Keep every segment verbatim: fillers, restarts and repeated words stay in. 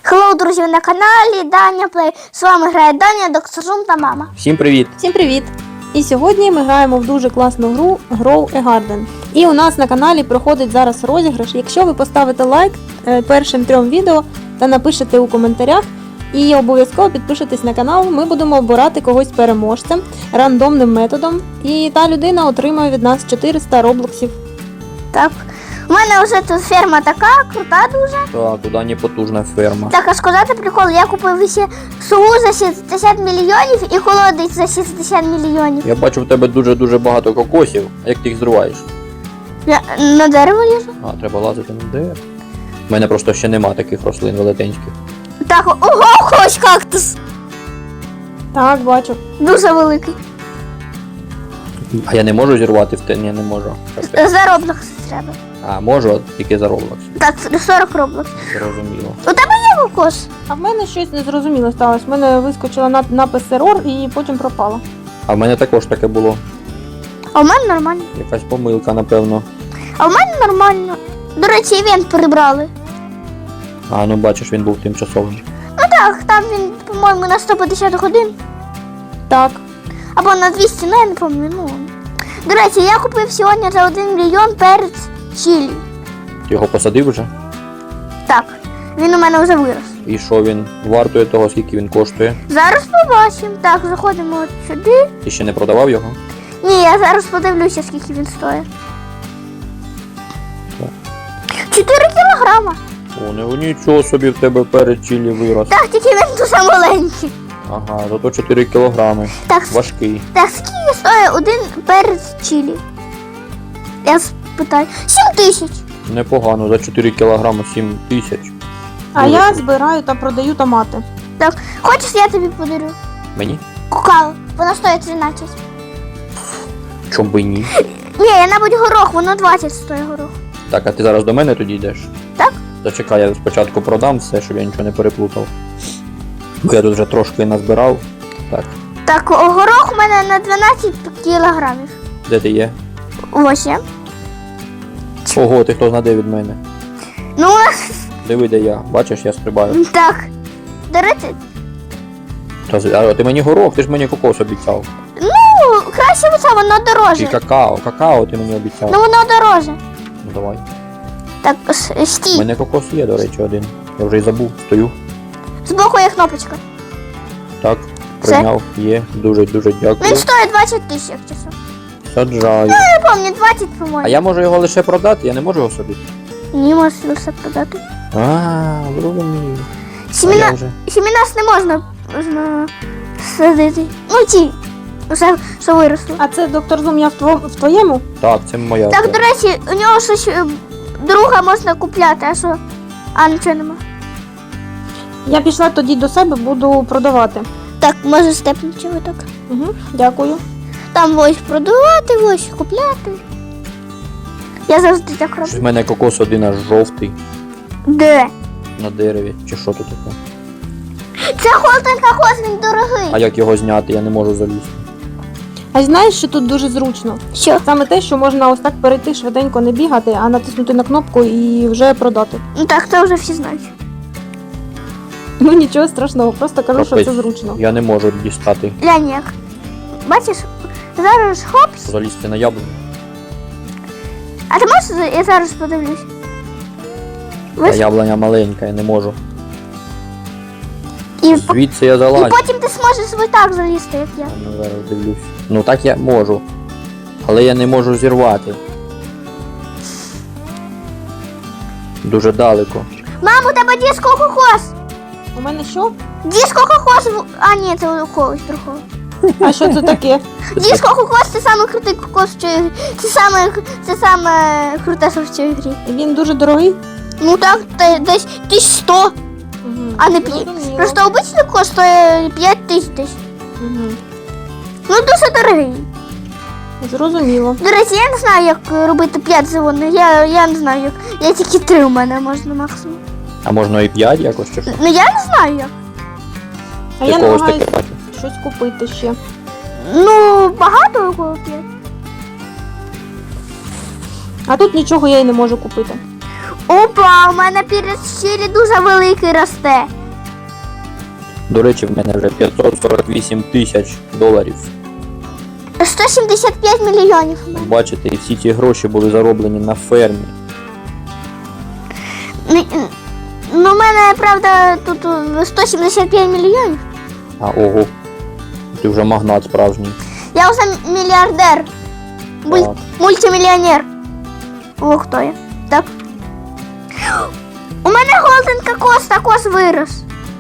Хеллоу, друзі, ви на каналі Даня Плей. З вами грає Даня, доктор Зум та мама. Всім привіт! Всім привіт! І сьогодні ми граємо в дуже класну гру Grow a Garden. І у нас на каналі проходить зараз розіграш. Якщо ви поставите лайк першим трьом відео та напишете у коментарях і обов'язково підпишетесь на канал, ми будемо обирати когось переможцем рандомним методом. І та людина отримає від нас чотириста роблоксів. Так, у мене вже тут ферма така, крута дуже. Так, у Дані потужна ферма. Так, а сказати прикол, я купив ще сову за шістдесят мільйонів і холодець за шістдесят мільйонів. Я бачу в тебе дуже-дуже багато кокосів. А як ти їх зриваєш? Я на дерево лізу. А, треба лазити на дерево. У мене просто ще нема таких рослин велетенських. Так, ого, хоч кактус. Так, бачу. Дуже великий. А я не можу зірвати в те? Ні, не можу. За роблокс треба. А, можу, тільки за Roblox. Так, сорок роблокс. Зрозуміло. У тебе є кокос? А в мене щось незрозуміло сталося. В мене вискочила нап- напис ерор і потім пропала. А в мене також таке було. А у мене нормально. Якась помилка, напевно. А у мене нормально. До речі, івент прибрали. А, ну бачиш, він був тимчасовим. Ну так, там він, по-моєму, на сто п'ятдесят годин. Так. Або на двісті, ну я не пам'ятаю. Ну. До речі, я купив сьогодні за один мільйон перець чилі. Ти його посадив вже? Так, він у мене вже вирос. І що він вартує того, скільки він коштує? Зараз побачимо. Так, заходимо от сюди. Ти ще не продавав його? Ні, я зараз подивлюся, скільки він стоїть. чотири кілограма. О, не нічого собі в тебе перед чилі вирос. Так, тільки він дуже маленький. Ага, зато чотири кілограми. Так, Важкий. так скільки стоїть один перець чилі? Я спитаю. сім тисяч. Непогано, за чотири кілограми сім тисяч. А Дуже я круто. збираю та продаю томати. Так, хочеш, я тобі подарю? Мені? Кукало. Воно стоїть тринадцять. Чом би ні? Ні, я, мабуть, горох, воно двадцять стоїть горох. Так, а ти зараз до мене тоді йдеш? Так. Зачекай, я спочатку продам все, щоб я нічого не переплутав. Бо я тут вже трошки назбирав. Так, Так, о, горох у мене на дванадцять кілограмів. де ти є? Ось я. Ого, ти хто знаде від мене? Ну, Диви, де я. Бачиш, я стрибаю. так. До речі, Та, з- а ти мені горох, ти ж мені кокос обіцяв. ну, краще оце, воно І дороже. какао, какао ти мені обіцяв. Ну, воно дороже. Ну давай. Так, с- У стій. мене кокос є, до речі, один. Я вже й забув, стою. Збоку є кнопочка. Так, Все? прийняв, є. Дуже-дуже дякую. Він стоїть двадцять тисяч, як часом. Саджаю. Не пам'ятаю, двадцять, по-моєму. А я можу його лише продати, я не можу його собі. Ні, можеш все продати. А, зрозумів. А Сіміна... я вже... Сімінас не можна, можна садити. Ну, ті, все, що виросло. А це доктор Зум, я в, тво... в твоєму? Так, це моя. Так, ферма. до речі, у нього щось е, друга можна купляти, а що? А, нічого нема. Я пішла тоді до себе, буду продавати. Так, може степнути ви так. Угу, дякую. Там ось продавати, ось купляти. Я завжди так Щось в роблю. мене кокос один аж жовтий Де? на дереві. Чи що тут таке? Це холодний кокос, він дорогий. А як його зняти, я не можу залізти. А знаєш, що тут дуже зручно? Що? Саме те, що можна ось так перейти, швиденько не бігати, а натиснути на кнопку і вже продати. Ну так, це вже всі знають. Ну нічого страшного, просто кажу, що Капець. це зручно. Я не можу дістати. Глянь як. Бачиш, зараз хопс. Залізти на яблуню. А ти можеш, я зараз подивлюсь. Та Ось. яблуня маленька, я не можу. І, по- Звідси я і залазю. потім ти зможеш ось так залізти, як я. Ну, зараз дивлюсь. Ну так я можу. Але я не можу зірвати. Дуже далеко. Мам, у тебе диско кокос. У мене що? Диско кокос. в- А, ні, це у когось другого. А що це таке? Диско кокос це саме крутий кокос в цій грі. Це саме, це саме круте, що в цій грі. Він дуже дорогий. Ну так, те- десь тисяч сто, Угу. а не п'ять. Просто обичний кокос стоїть п'ять тисяч десь. Угу. Ну дуже дорогий. Зрозуміло. До речі, я не знаю, як робити п'ять заводних. Я, я не знаю, як. Я тільки три у мене можна максимум. А можна і п'ять якось чи що? Ну я не знаю як. А Ти я когось намагаюся таке бачу. щось купити ще. Ну, багато у кого п'ять. А тут нічого я й не можу купити. Опа, у мене перець чилі дуже великий росте. До речі, в мене вже п'ятсот сорок вісім тисяч доларів. сто сімдесят п'ять мільйонів. у мене. Бачите, і всі ці гроші були зароблені на фермі. Ну, ну, у мене, правда, тут е, сто сімдесят п'ять мільйонів. А ого, ти вже магнат справжній. Я вже мільярдер. Буль... Так. Мультимільйонер. О, хто я? Так. У мене голден кокос, також вирос.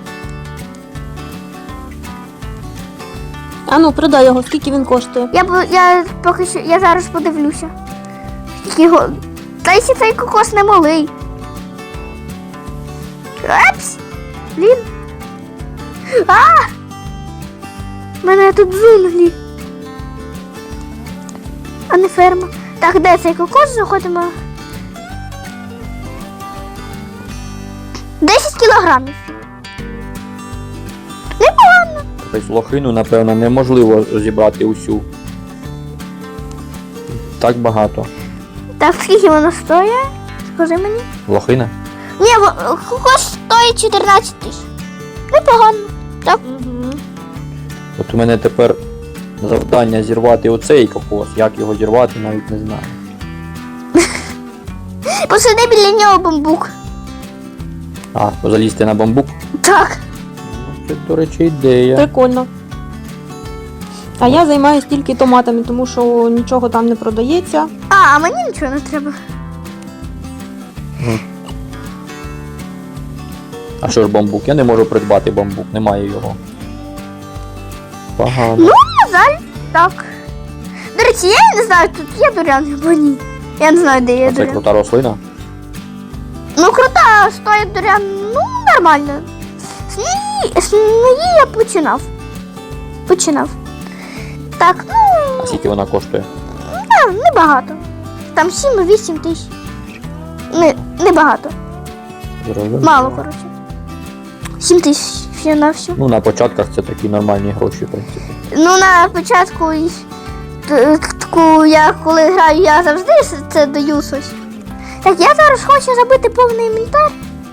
А ну, продай його, скільки він коштує. Я, бу- я поки що, я зараз подивлюся. Скільки його... Та якщо цей кокос не малий. Епс! Блін. А! У мене тут джунглі. А не ферма. Так, де цей кокос? Заходимо. десять кілограмів. Непогано. Тобто лохину, напевно, неможливо зібрати усю. Так багато. Так, скільки воно стоїть? Скажи мені. Лохина? Ні, во- кокос стоїть чотирнадцять тисяч. Непогано. Так. Угу. От у мене тепер завдання зірвати оцей кокос. Як його зірвати, навіть не знаю. Посади біля нього бамбук. А, залізти на бамбук? Так. Ну, це, до речі, ідея. Прикольно. А я займаюся тільки томатами, тому що нічого там не продається. А, а мені нічого не треба. А що ж бамбук? Я не можу придбати бамбук, немає його. Погано. Ну, на жаль, так. До речі, я не знаю, тут є дурян або ні. Я не знаю, де є А це дурян. крута рослина? Ну, крута, стоїть дурян, ну, нормально. З неї, з неї я починав. Починав. Так, ну, А скільки вона коштує? не, небагато. Там сім-вісім тисяч. Не, небагато. Зрозуміло. Мало, коротше. сім тисяч все на все. Ну, на початках це такі нормальні гроші, в принципі. Ну, на початку, й- т- таку, я коли граю, я завжди с- це даю щось. Так, я зараз хочу забити повний інвентар.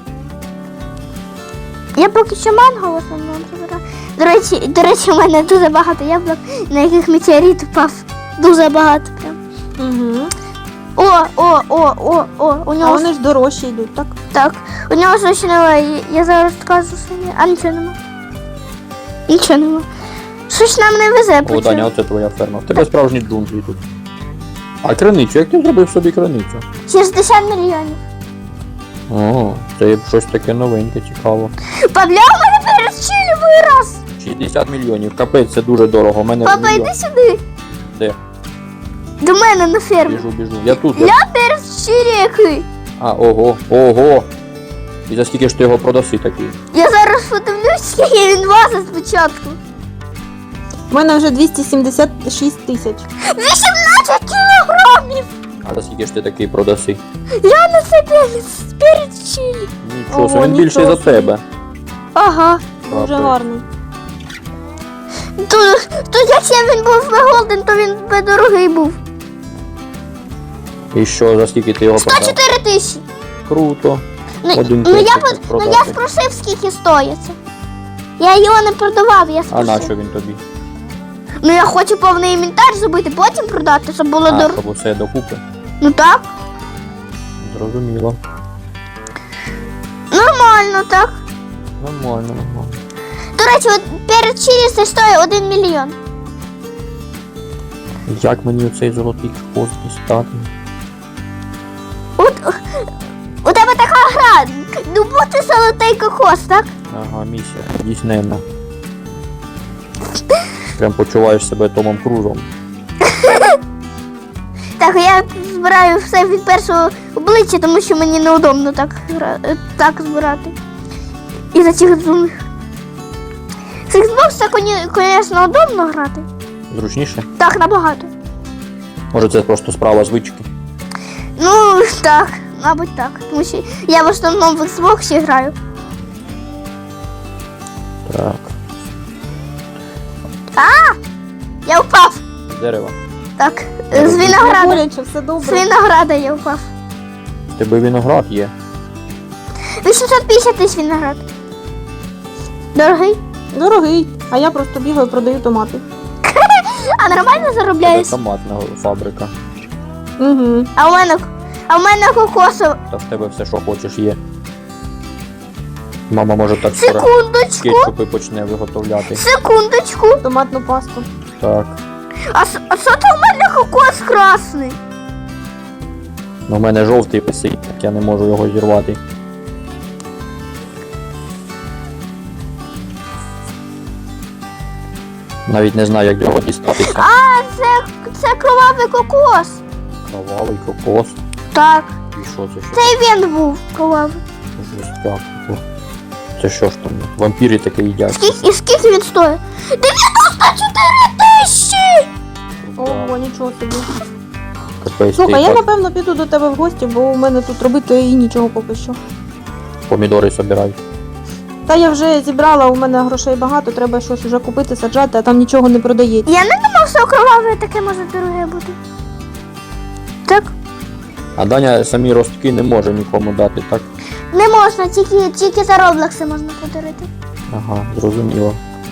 Я поки що манго в основному забираю. До речі, до речі, у мене дуже багато яблук, на яких метеорит впав. Дуже багато прям. Угу. О, о, о, о, о, у А нього вони ж дорожчі йдуть, так? так, у нього щось немає. Я зараз скажу, що ні. А нічого нема. Нічого нема. Щось нам не везе. О, по Даня, цьому. оце твоя ферма. В тебе справжні джунглі тут. А криницю, як ти зробив собі криницю? шістдесят мільйонів. О, це щось таке новеньке, цікаво. Папля, у мене перець чилі вирос. шістдесят мільйонів, капець, це дуже дорого. У мене Папа, мільйон. йди сюди. Де? До мене на ферму. Біжу, біжу. Я тут. Я... Я перець чилі який. А, ого, ого. І за скільки ж ти його продаси такий? Я зараз подивлюсь, скільки він важить спочатку. У мене вже двісті сімдесят шість тисяч. вісімнадцять кілограмів. А за скільки ж ти такий продаси? Я на це перець, перець чилі. Нічого, Ого, він більший нічого за собі. тебе. Ага. Дуже Капець. гарний. Тут, тут якщо він був би голден, то він би дорогий був. І що, за скільки ти його продав? сто чотири тисячі. Круто. Ну, Один ну, я, перчик по- ну продати. я спросив, скільки стоїть. це. Я його не продавав, я А спросив. на що він тобі? Ну я хочу повний інвентар зробити, потім продати, щоб було А, дорого. щоб усе докупи. Ну так, Зрозуміло. нормально, так. Нормально, нормально. До речі, от перед чилі це стоїть один мільйон. Як мені оцей золотий хвост дістати? От, у тебе така гра. Ну бути золотий кокос, так? Ага, місія. Дійсненна. Прям почуваєш себе Томом Крузом. Так, я збираю все від першого обличчя, тому що мені неудобно так, гра- е, так збирати. І за цих зумних. З Xbox так, звісно, удобно грати. Зручніше? Так, набагато. Може це просто справа звички? Ну, так, мабуть так. Тому що я в основному в Xbox граю. Так. Я впав. З дерева. Так, Не з робіть. Не винограда. боляче, все З добре. винограда я впав. В тебе виноград є. вісімсот п'ятдесят тисяч виноград. Дорогий? Дорогий, а я просто бігаю, продаю томати. А нормально Це заробляєш? томатна фабрика. Угу. А у мене, а у мене кокосова. Та в тебе все, що хочеш, є. Мама може так скоро Секундочку, кетчупи почне виготовляти. секундочку. Томатну пасту. Так. А, с- а що то у мене кокос красний? Ну, в мене жовтий висить, так я не можу його зірвати. Навіть не знаю, як його дістатися. А, це, це кровавий кокос. Кровавий кокос. Так, І що це? Що це і він був кровавий. жестяк? Це що ж там? Вампіри таке їдять. Скільки, і скільки він стоїть? дев'яносто чотири тисячі! Ого, нічого собі. Капець, Слухай, ти я так напевно піду до тебе в гості, бо у мене тут робити і нічого поки що. помідори собирай. Та я вже зібрала, у мене грошей багато, треба щось вже купити, саджати, а там нічого не продається. Я не думав, що кроваве таке може дороге бути. Так? А Даня самі ростки не може нікому дати, так? Не можна, тільки, тільки за роблокси можна подарити. Ага, зрозуміло.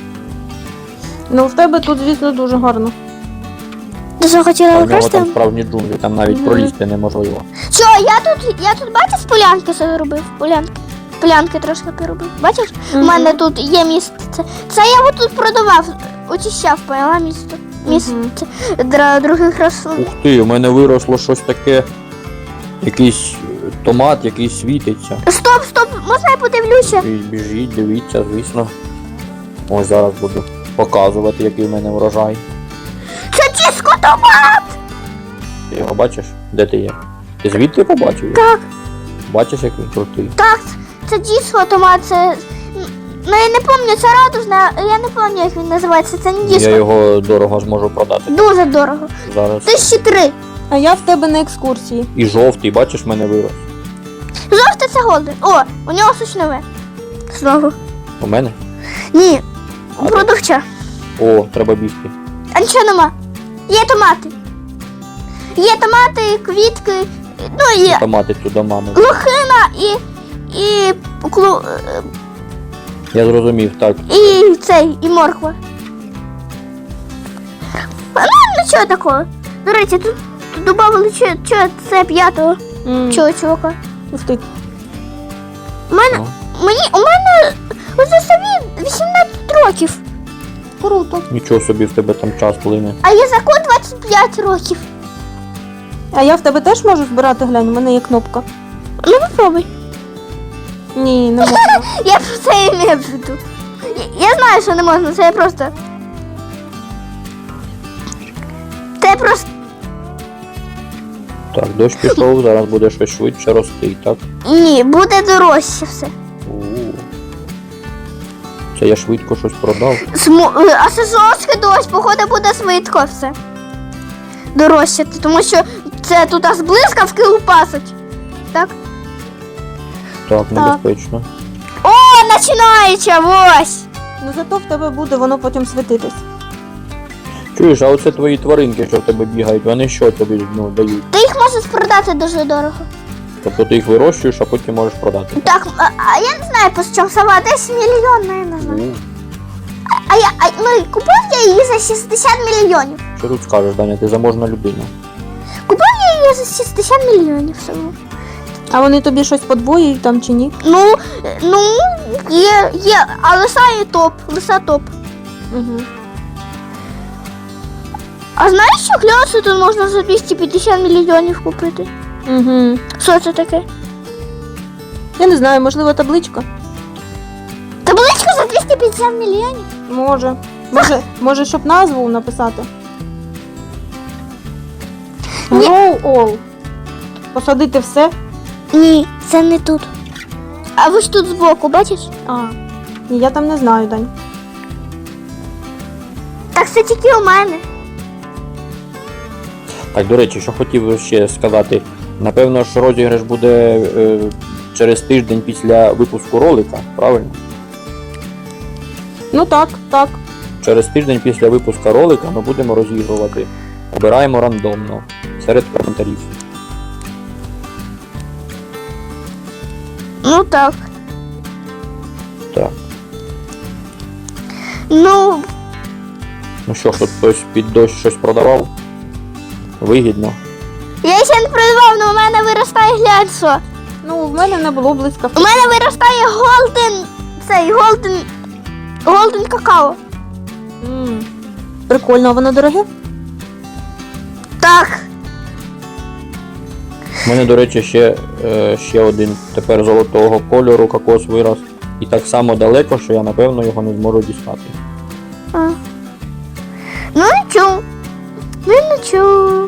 Ну, в тебе тут, звісно, дуже гарно. Ти що А хотіла в нього використати? там справжні джунглі, там навіть Мгм. пролізти неможливо. Що, я тут, я тут бачиш, полянки собі робив? Полянки. Полянки трошки поробив. Бачиш? У Мгм. мене тут є місце. Це я тут продавав, очищав, поняла місто. Місце для других рослин. Ух ти, у мене виросло щось таке. Якийсь томат, який світиться. Стоп, стоп, можна я подивлюся? І біжіть, дивіться, звісно. Ось зараз буду показувати, який в мене врожай. Це тіско томат! Ти його бачиш? Де ти є? Ти звідти побачив? його? Так, Бачиш, як він крутий? так, це діско томат, це. Ну я не пам'ятаю, це радужна, я не пам'ятаю, як він називається, це не Я діско. його дорого зможу продати Дуже дорого. зараз. Тисячі три. А я в тебе на екскурсії. І жовтий, бачиш, в мене вирос. Жовте це голден. О, у нього сучнове. Знову. У мене? Ні, А у де? продавча. О, треба бігти. А нічого нема. Є томати. Є томати, квітки, ну і Томати туди мами. лохина, і. і. клу. Я зрозумів, так. і цей, і морква. А, ну, нічого такого. До речі, тут, тут додали чо, чо, це п'ятого М, чого чувака. Ух ти. У мене, Ну, мені, у мене оце собі вісімнадцять років, Круто. нічого собі в тебе там час плине. а Єзаку двадцять п'ять років. А я в тебе теж можу збирати, глянь, у мене є кнопка. Ну попробуй. Ні, не можна. Я про це і не буду. Я, я знаю, що не можна, це я просто. Це просто. Так, дощ пішов, зараз буде щось швидше рости, так? Ні, буде дорожче все. У. Це я швидко щось продав. Сму... е, А сезонський дощ, походу, буде швидко все. Дорожчати, тому що це тут аж блискавки лупасить. Так? Так, небезпечно. О, починається, ось! Ну зато в тебе буде воно потім світитись. Чуєш, а оце твої тваринки, що в тебе бігають, вони що тобі ну, дають? Ти їх можеш продати дуже дорого. Тобто ти їх вирощуєш, а потім можеш продати. Так, а, а я не знаю, по чому сова, десь мільйон, я не знаю. У. А я, а, ну, і купив я її за шістдесят мільйонів. Що тут скажеш, Даня, ти заможна людина. Купив я її за шістдесят мільйонів всього. А вони тобі щось подвоюють там чи ні? Ну, е, ну, є, є, а лиса є топ, лиса топ. Угу. А знаєш, що кльоси тут можна за двісті п'ятдесят мільйонів купити? Угу. Що це таке? Я не знаю, можливо, табличка? Табличка за двісті п'ятдесят мільйонів? Може. Може, може, щоб назву написати? Ні. Grow all. Посадити все? Ні, це не тут. А ось тут збоку, бачиш? А. Ні, я там не знаю, Дань. Так це тільки у мене. Так, до речі, що хотів ще сказати. Напевно, що розіграш буде е, через тиждень після випуску ролика, правильно? Ну так, так. Через тиждень після випуску ролика ми будемо розігрувати. Обираємо рандомно серед коментарів. Ну так. Так. Ну, Ну що, тут хтось під дощ щось продавав? Вигідно. я ще не продавав, але у мене виростає глянь що. Ну, в мене не було У блискавки. мене виростає голден, цей голден, голден какао. М, Прикольно, а воно дороге? Так. У мене, до речі, ще, е, ще один тепер золотого кольору кокос вирос. І так само далеко, що я напевно його не зможу дістати. А. Ну нічого. Ну нічого.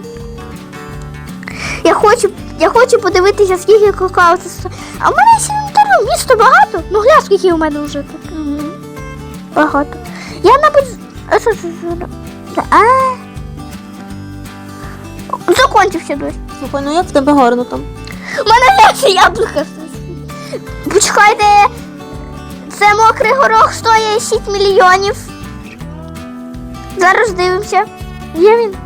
Я хочу, я хочу подивитися, скільки какао це стоїть. А в мене ще інтернет, місто багато. Ну глянь, скільки у мене вже тут. Угу. Багато. Я, мабуть, а що це за... А. Закончився дощ. Слухай, ну як в тебе гарно там. У мене глянь, яблука. Почекайте. Це мокрий горох стоїть шість мільйонів. Зараз дивимося. Є він?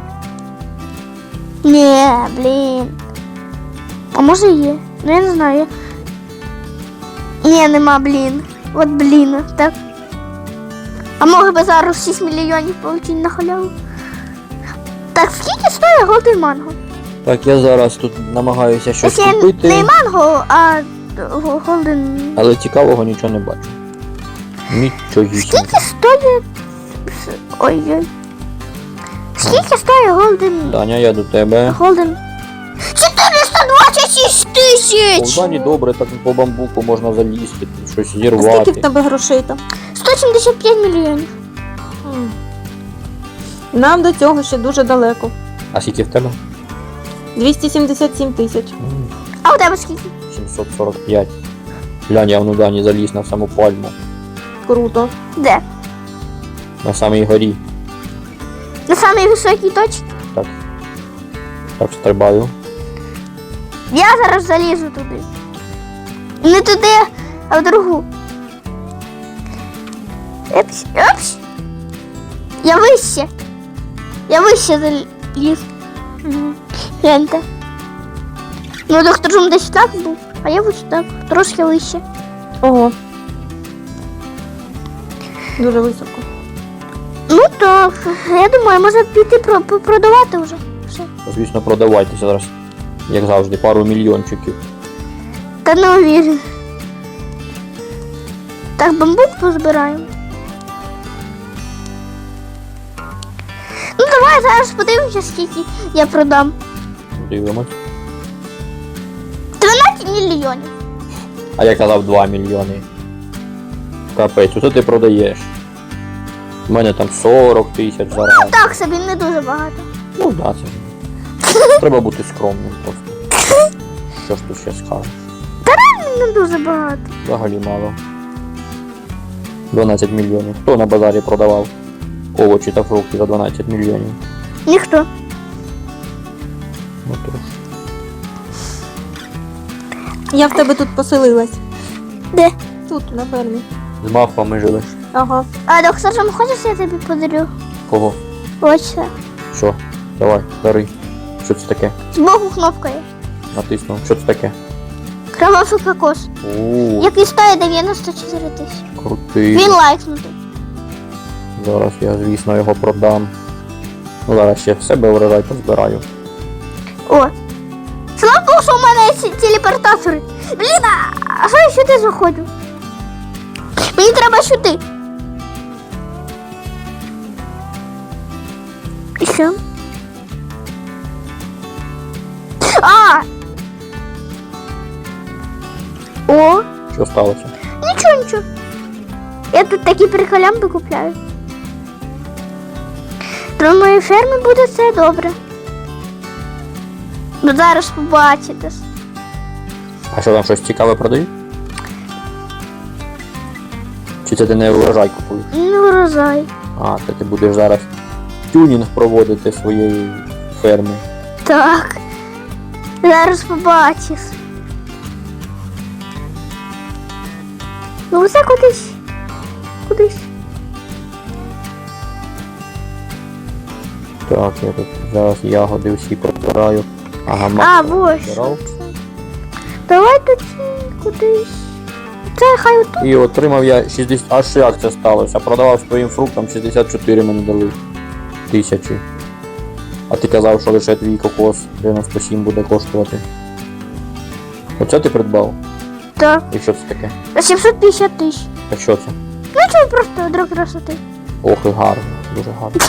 Ні, блін. А може є? Ну я не знаю. Ні, нема, блін. От блін, так. А може би зараз шість мільйонів получити на халяву. Так, скільки стоїть голден манго? Так, я зараз тут намагаюся щось Якщо купити, не манго, а голден. але цікавого нічого не бачу. Нічогісінько. Скільки стоїть... Ой-ой. Скільки стоїть голден... Даня, я до тебе. Голден... чотириста двадцять шість тисяч! У Дані добре, так по бамбуку можна залізти, тут щось А скільки в зірвати. тебе грошей там? сто сімдесят п'ять мільйонів. М. Нам до цього ще дуже далеко. А скільки в тебе? двісті сімдесят сім тисяч. М, А у тебе скільки? сімсот сорок п'ять. Глянь, я в Дані заліз на саму пальму. Круто. Де? На самій горі. На самій високій точці? Так. Так стрибаю. Я зараз залізу туди. Не туди, а в другу. Епс, епс. Я вище. Я вище заліз. Угу. Гляньте. Ну, доктор Жум десь так був, а я ось так, трошки вище. Ого. Дуже високо. Ну так, я думаю, може піти про- про- продавати вже. Все. Звісно, продавайтеся зараз. Як завжди, пару мільйончиків. Та не уверен. Так, бамбук позбираємо. Ну давай зараз подивимося, скільки я продам. Дивимось. дванадцять мільйонів. А я казав два мільйони. Капець, оце ти продаєш. У мене там сорок тисяч зараз. Так собі, не дуже багато. Ну да, це. Треба бути скромним просто. Що ж тут ще скажеш? Не дуже багато. Взагалі мало. дванадцять мільйонів. Хто на базарі продавав овочі та фрукти за дванадцять мільйонів? Ніхто. Ну, то ж. Я в тебе тут поселилась. Де? Тут, на фермі. З мавпами живеш. Ага. А доктор Жум, хочеш, я тобі подарю? Кого? Ось це. Що? Давай, дари. Що це таке? Збоку кнопка є. Натиснув. Що це таке? Кровавий кокос. Ууу, Який стоїть дев'яносто чотири тисячі. крутий. Він лайкнутий. Зараз я, звісно, його продам. Ну, зараз ще в себе врожай позбираю. О. Слава Богу, що у мене є ці телепортатори. Блін, а що я сюди заходжу? Мені треба сюди. І що? А! О! Що сталося? Нічого, нічого. Я тут такі приколямби купляю. На моїй фермі буде все добре. Ну зараз побачите. А що там щось цікаве продають? Чи це ти не врожай купуєш? Не врожай. А, це ти будеш зараз тюнінг проводити своєї ферми. Так. Зараз побачиш. Ну це кудись. Кудись. Так, я тут зараз ягоди всі прибираю. Ага, А, мак ось. прибирав. Давай тоді кудись. Оце хай отут. І отримав я шістдесят. Аж як це сталося? Продавав своїм фруктам шістдесят чотири мені дали тисячі. А ти казав, що лише твій кокос дев'яносто сім буде коштувати. Оце ти придбав? Так. І що це таке? сімсот п'ятдесят тисяч. А що це? Ну це просто для красоти. Ох, і гарно, дуже гарно.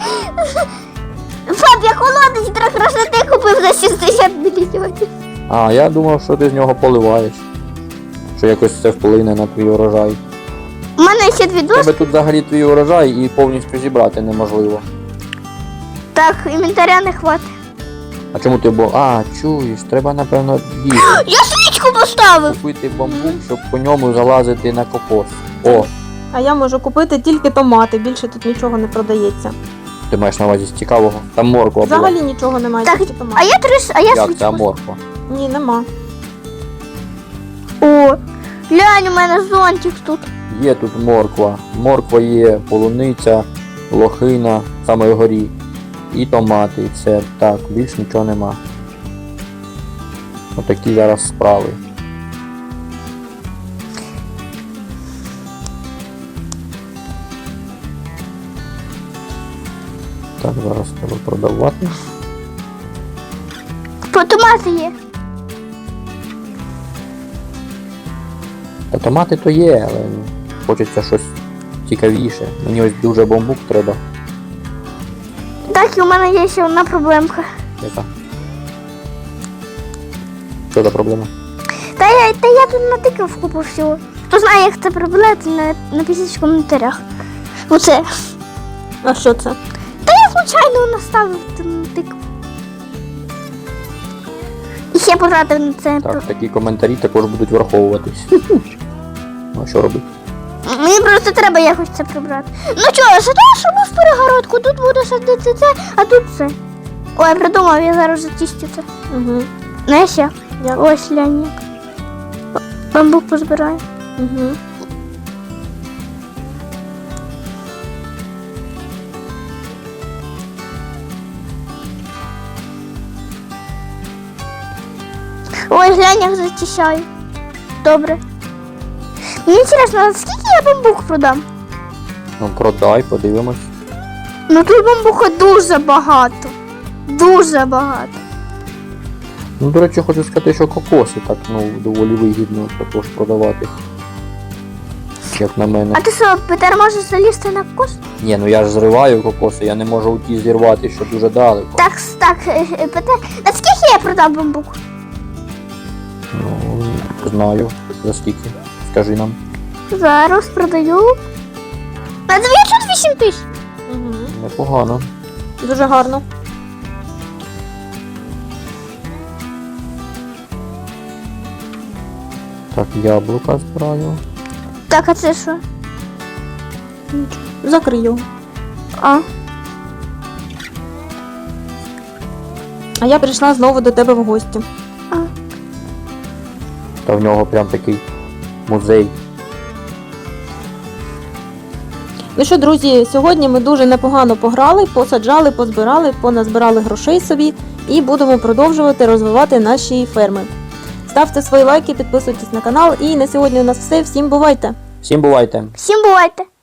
Пап, я холодець для красоти купив за шістдесят мільйонів. А, я думав, що ти з нього поливаєш. Що якось це вплине на твій урожай. У мене ще дві У доски. тебе тут взагалі твій урожай і повністю зібрати неможливо. Так, інвентаря не хватить. А чому ти бо. А, чуєш, треба напевно їсти. Я свічку поставив. Купити бамбук, щоб по ньому залазити на кокос. О, А я можу купити тільки томати, більше тут нічого не продається. ти маєш на увазі з цікавого? Там морква була. Взагалі нічого немає, Так, тільки А томати. я три, с- а я Як свічку. це морква? Ні, нема. О, глянь, у мене зонтик тут. Є тут морква. Морква є, полуниця, лохина, саме вгорі. І томати, і все. Так, більш нічого нема. Отакі зараз справи. Так, зараз треба продавати. По томати є. Та томати то є, але ну, хочеться щось цікавіше. Мені ось дуже бамбук треба. Так, і у мене є ще одна проблемка. Яка? Що за проблема? Та я, та я тут натикав купу всього. Хто знає, як це проблема, на, напишіть в коментарях. Оце. А що це? Я случайно наставив та натикав. І ще потратив на це. Так, такі коментарі також будуть враховуватись. Ну а що робити? Мені просто треба якось це прибрати. Ну чого, садиш в перегородку, тут буду садити це, а тут це. Ой, я придумав, я зараз зачистю це. Угу. Ну я ще. Як? Ось глянь як. Бамбук позбираю. Угу. Ой, глянь, як зачищаю. Добре. Мені цікаво, а скільки я бамбук продам? Ну продай, подивимось. Ну тут бамбука дуже багато. Дуже багато. Ну, до речі, хочу сказати, що кокоси так, ну, доволі вигідно також продавати. Як на мене. А ти що, Петер, можеш залізти на кокос? Ні, ну я ж зриваю кокоси, я не можу у ті зірвати, що дуже далеко. Так, так, е, е, Петер, а скільки я продав бамбук? Ну, знаю. За скільки? Скажи нам. Зараз продаю. На дев'ятсот вісім тисяч. Угу. Непогано. Дуже гарно. Так, яблука збираю. Так, а це що? Закрию. А, А я прийшла знову до тебе в гості. а. Та в нього прям такий музей. Ну що, друзі, сьогодні ми дуже непогано пограли, посаджали, позбирали, поназбирали грошей собі і будемо продовжувати розвивати наші ферми. Ставте свої лайки, підписуйтесь на канал. І на сьогодні у нас все. Всім бувайте! Всім бувайте! Всім бувайте.